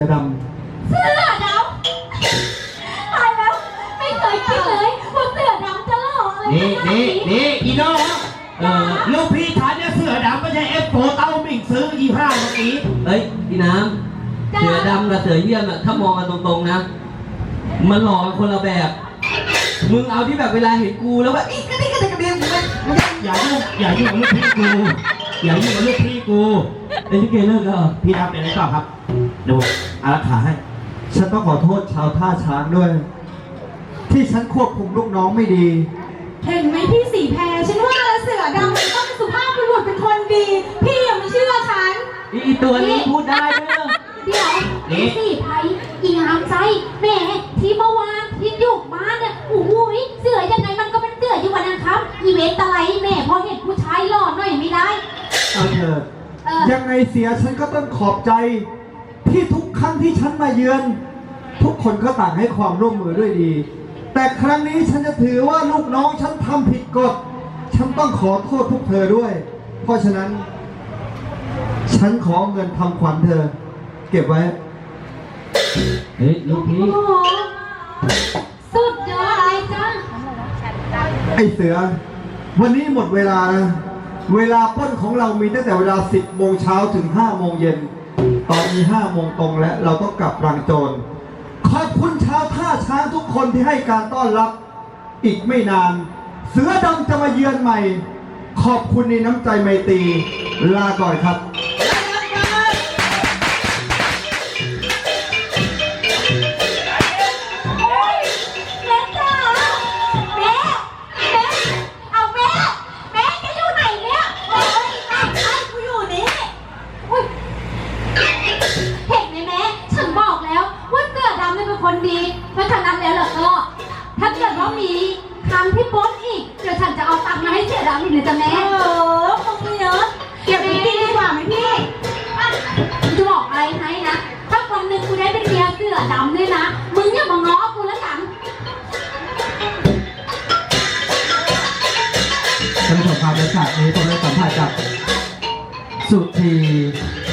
ดเสือดำตายแล้วไม่เคยคิดเลยว่าเสือดำจะหล่ออะไรนี่อีน้องลูกพี่ฐานเนี่ยเสือดำไม่ใช่เอฟโฟเต้ามิ่งซื้อ25เมื่อกี้เฮ้ยพี่น้ำเสือดำกับเสือเยี่ยมอะถ้ามองกันตรงๆนะมันหล่อกันคนละแบบมึงเอาที่แบบเวลาเห็นกูแล้วว่าอีกกระดิ่งอย่ายุ่งกับลูกพี่กูอย่ายุ่งกับลูกพี่กูไอ้ที่เกเลิกแล้วเหรอพี่ดำเป็นอะไรต่อครับเดี๋ยวอารักขาให้ฉันต้องขอโทษชาวท่าช้างด้วย ที่ฉันควบคุมลูกน้องไม่ดีเห็นไหมพี่สีแพรฉันว่าแล้วเสือดำมันต้องเป็นสุภาพบุรุษเป็นคนดี พี่อย่ามาเชื่อฉันอีตัวนี้พูดได้ด้วยเหรอเดี๋ยวพี่สีไพรอีงามใจแหมที่เมื่อวานที่อยู่บ้านเนี่ยโอ้โหเสือยังไงมันก็เป็นเสืออยู่วันนั้นครับอีเวนต์อะไรแหมพอเห็นผู้ชายหล่อหน่อยไม่ได้เอาเถอะยังไงเสียฉันก็ต้องขอบใจ ที่ทุกครั้งที่ฉันมาเยือน ทุกคนก็ต่างให้ความร่วมมือด้วยดี แต่ครั้งนี้ฉันจะถือว่าลูกน้องฉันทำผิดกฎฉันต้องขอโทษพวกเธอด้วย เพราะฉะนั้น ฉันขอเงินทำขวัญเธอ เก็บไว้เฮ้ยลูกพี่โอ้โหสุดยอดเลยจ้าไอ้เสือ วันนี้หมดเวลานะเวลาปล้นของเรามีตั้งแต่เวลา 10 โมงเช้าถึง 5 โมงเย็น ตอนนี้ 5 โมงตรงแล้วเราต้องกลับรังโจร ขอบคุณชาวท่าช้างทุกคนที่ให้การต้อนรับ อีกไม่นาน เสือดำจะมาเยือนใหม่ ขอบคุณในน้ำใจไมตรี ลาก่อนครับแม่จ๋าแม่เอาแม่จะอยู่ไหนเนี่ยโอ้ยไอ้กูอยู่นี่อุ้ยเห็นไหมแม่ฉันบอกแล้วว่าเสือดำเป็นคนดีเพราะฉะนั้นแล้วล่ะก็ถ้าเกิดว่ามีคำที่ปล้นอีกเดี๋ยวฉันจะเอาตังค์มาให้เสือดำอีกเลยจ้ะแม่คงไม่เยอะเก็บไปกินดีกว่าไหมพี่จะบอกอะไรให้นะถ้าวันหนึ่งกูได้เป็นเมียเสือดำด้วยนะมึงอย่ามาง้อกูแล้วกันท่านผู้ชมครับในฉากนี้ผมได้สัมภาษณ์กับสุธี